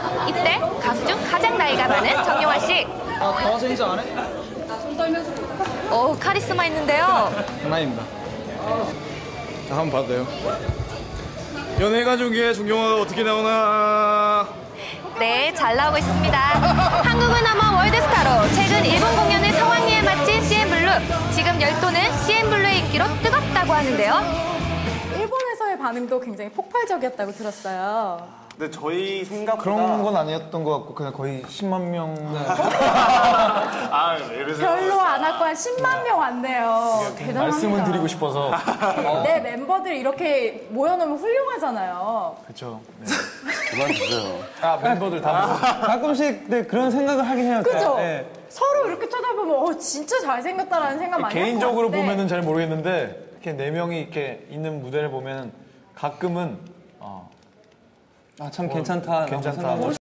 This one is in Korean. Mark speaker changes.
Speaker 1: 이때 가수 중 가장 나이가 많은 정용화 씨.
Speaker 2: 나와서 인사 안 해?
Speaker 1: 오, 카리스마 있는데요.
Speaker 2: 장난입니다. 자, 한번 봐도 돼요? 연예가족의 정용화가 어떻게 나오나.
Speaker 1: 네, 잘 나오고 있습니다. 한국을 넘어 월드스타로 최근 일본 공연을 성황리에 마친 CN블루. 지금 열도는 CN블루의 인기로 뜨겁다고 하는데요.
Speaker 3: 일본에서의 반응도 굉장히 폭발적이었다고 들었어요.
Speaker 4: 근데 저희 생각보다
Speaker 2: 그런 건 아니었던 것 같고 그냥 거의 10만 명.
Speaker 4: 아, 왜 이러세요?
Speaker 3: 별로 안 왔고 한 10만 명 왔네요. 대단합니다.
Speaker 2: 말씀을 드리고 싶어서.
Speaker 3: 내 멤버들 이렇게 모여놓으면 훌륭하잖아요.
Speaker 2: 그렇죠. 네.
Speaker 4: 그만 주세요.
Speaker 2: 아, 멤버들 다.
Speaker 5: 가끔씩 네, 그런 생각을 하긴 해요.
Speaker 3: 그죠?
Speaker 5: 네.
Speaker 3: 서로 이렇게 쳐다보면 진짜 잘생겼다라는 생각 많이 할것
Speaker 2: 개인적으로
Speaker 3: 같은데.
Speaker 2: 보면은 잘 모르겠는데 이렇게 네 명이 이렇게 있는 무대를 보면 가끔은
Speaker 5: 참 괜찮다.
Speaker 2: 괜찮다.